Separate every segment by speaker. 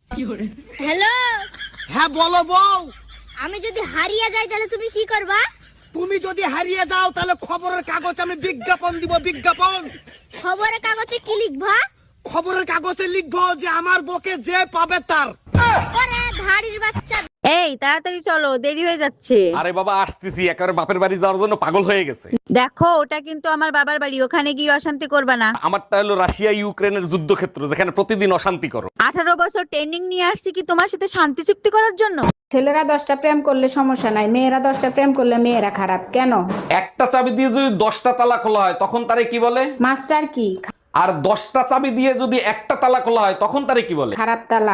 Speaker 1: Hello,
Speaker 2: হ্যাঁ বলো বউ।
Speaker 1: আমি যদি হারিয়ে যাই তাহলে তুমি কি করবা?
Speaker 2: তুমি যদি হারিয়ে যাও তাহলে খবরের কাগজে আমি বিজ্ঞাপন দিব, বিজ্ঞাপন।
Speaker 1: খবরের কাগজে কি লিখবা?
Speaker 2: খবরের কাগজে লিখবো যে আমার বকে যে পাবে তার।
Speaker 1: ওরে ধাড়ির বাচ্চা।
Speaker 3: এই তাড়াতাড়ি চলো, দেরি হয়ে যাচ্ছে।
Speaker 4: আরে বাবা আসতেছি, একেবারে বাপের বাড়ি যাওয়ার জন্য পাগল হয়ে গেছে।
Speaker 3: দেখো, ওটা কিন্তু আমার বাবার বাড়ি, ওখানে গিয়ে অশান্তি করবা না।
Speaker 4: আমারটা হলো রাশিয়া ইউক্রেনের যুদ্ধক্ষেত্র, যেখানে প্রতিদিন অশান্তি করো।
Speaker 3: 18 বছর ট্রেনিং নিয়ে আসছি কি তোমার সাথে শান্তি চুক্তি করার জন্য?
Speaker 5: ছেলেরা 10টা প্রেম করলে সমস্যা নাই, মেয়েরা 10টা প্রেম করলে মেয়েরা খারাপ কেন?
Speaker 4: একটা চাবি দিয়ে যদি 10টা তালা খোলা হয় তখন তারে কি বলে?
Speaker 5: মাস্টার কি?
Speaker 4: আর 10টা চাবি দিয়ে যদি একটা তালা খোলা হয় তখন তারে কি বলে?
Speaker 5: খারাপ তালা।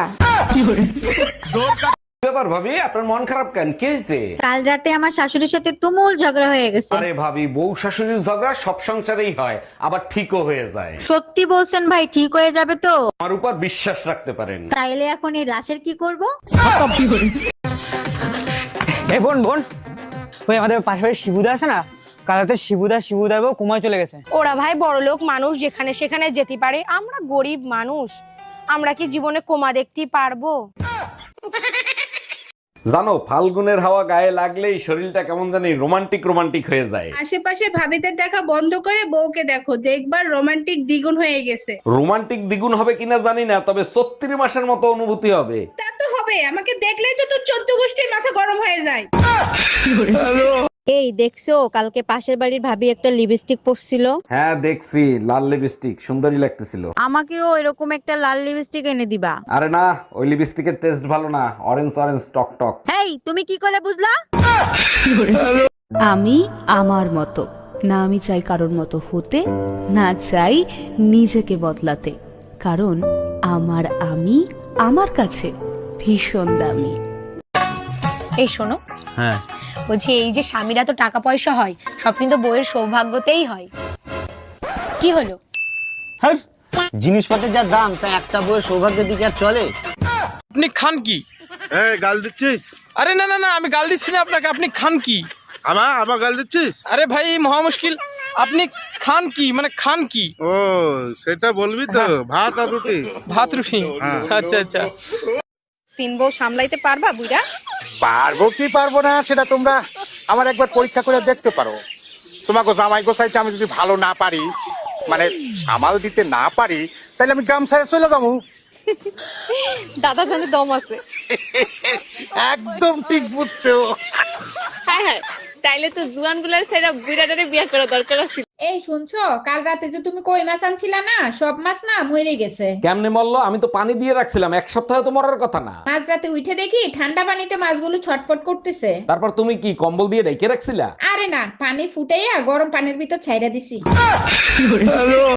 Speaker 4: ব্যাপার ভাবি, আপনার মন খারাপ কেন? কি হয়েছে?
Speaker 3: কাল রাতে আমার শাশুড়ির সাথে তুমুল ঝগড়া হয়ে গেছে।
Speaker 4: আরে ভাবি, বউ শাশুড়ির ঝগড়া সব সংসারেই হয়, আবার ঠিকও হয়ে যায়।
Speaker 3: সত্যি বলছেন ভাই, ঠিক হয়ে যাবে তো?
Speaker 4: আমার উপর বিশ্বাস রাখতে পারেন।
Speaker 3: তাইলে এখন এই লাশের কি করব?
Speaker 6: এই বোন বোন, ওই আমাদের পাশে শিবুদা আছে না, কালাতে শিবুদা বউ কোমায় চলে গেছে।
Speaker 7: ওরা ভাই বড়লোক মানুষ, যেখানে সেখানে যেতে পারে, আমরা গরিব মানুষ, আমরা কি জীবনে কোমা দেখতেই পারবো?
Speaker 4: জানো, ফাল্গুনের হাওয়া গায়ে লাগলেই শরীরটা কেমন জানি রোমান্টিক রোমান্টিক হয়ে যায়।
Speaker 8: আশেপাশে ভাবিদের দেখা বন্ধ করে বউকে দেখো, দেখবার রোমান্টিক দ্বিগুণ হয়ে গেছে।
Speaker 4: রোমান্টিক দ্বিগুণ হবে কিনা জানি না, তবে 36 মাসের মতো অনুভূতি হবে।
Speaker 8: তা তো হবে, আমাকে দেখলেই তো তোর 14 গোষ্ঠীর মাথা গরম হয়ে যায়।
Speaker 3: এই দেখছো, কালকে পাশের বাড়ির ভাবি একটা লিপস্টিক পরছিল।
Speaker 4: হ্যাঁ দেখছি, লাল লিপস্টিক সুন্দরী লাগতেছিল।
Speaker 3: আমাকেও এরকম একটা লাল লিপস্টিক এনে দিবা।
Speaker 4: আরে না, ওই লিপস্টিকের টেস্ট ভালো না, অরেঞ্জ অরেঞ্জ টক টক।
Speaker 3: এই তুমি কি করে বুঝলা?
Speaker 9: আমি আমার মতো না, আমি চাই কারোর মতো হতে, না চাই নিজেকে বদলাতে, কারণ আমি আমার কাছে ভীষণ দামি।
Speaker 7: এই শোনো,
Speaker 6: হ্যাঁ,
Speaker 7: বলছি এই যে স্বামীরা তো টাকা পয়সা হয়, সব কিন্তু বইয়ের সৌভাগ্যতেই হয়। কি হলো?
Speaker 6: হ্যাঁ, জিনিসপত্রের যা দাম, তা একটা বউয়ের সৌভাগ্যের দিকে আর চলে?
Speaker 10: আপনি খান কি?
Speaker 11: গাল দিচ্ছিস?
Speaker 10: আরে না না না, আমি গাল দিচ্ছি না আপনাকে, আপনি খান কি?
Speaker 11: আমার গাল দিচ্ছিস?
Speaker 10: আরে ভাই মহা মুশকিল, আপনি খান কি মানে খান কি?
Speaker 11: ও সেটা বলবি তো, ভাত আর রুটি।
Speaker 10: ভাত রুটি? আচ্ছা আচ্ছা।
Speaker 7: 3 বউ সামলাইতে পারবা বুইড়া?
Speaker 11: পারবো কি পারবো না সেটা তোমরা আমার একবার পরীক্ষা করে দেখতে পারো। তোমাকে জামাই গোসাইতে আমি যদি ভালো না পারি, মানে সামাল দিতে না পারি, তাহলে আমি গ্রাম ছেড়ে চলে যাবো।
Speaker 7: দাদা জানে দম আছে।
Speaker 11: একদম ঠিক বুঝছো।
Speaker 7: হ্যাঁ হ্যাঁ, তাইলে তো জুয়ান গুলার সেরা বুইড়াটারে বিয়ে করা দরকার আছে।
Speaker 5: এই শুনছো, কাল রাতে যে তুমি কই মাছ আনছিলা না, সব মাছ না মরে গেছে।
Speaker 4: কেমনে মরলো? আমি তো পানি দিয়ে রাখছিলাম, এক সপ্তাহে তো মরার কথা না।
Speaker 5: মাঝ রাতে উঠে দেখি ঠান্ডা পানিতে মাছগুলো ছটফট করতেছে।
Speaker 4: তারপর তুমি কি কম্বল দিয়ে ঢেকে রাখছিলা?
Speaker 5: আরে না, পানি ফুটাইয়া গরম পানির ভিতর ছাইরা দিছি।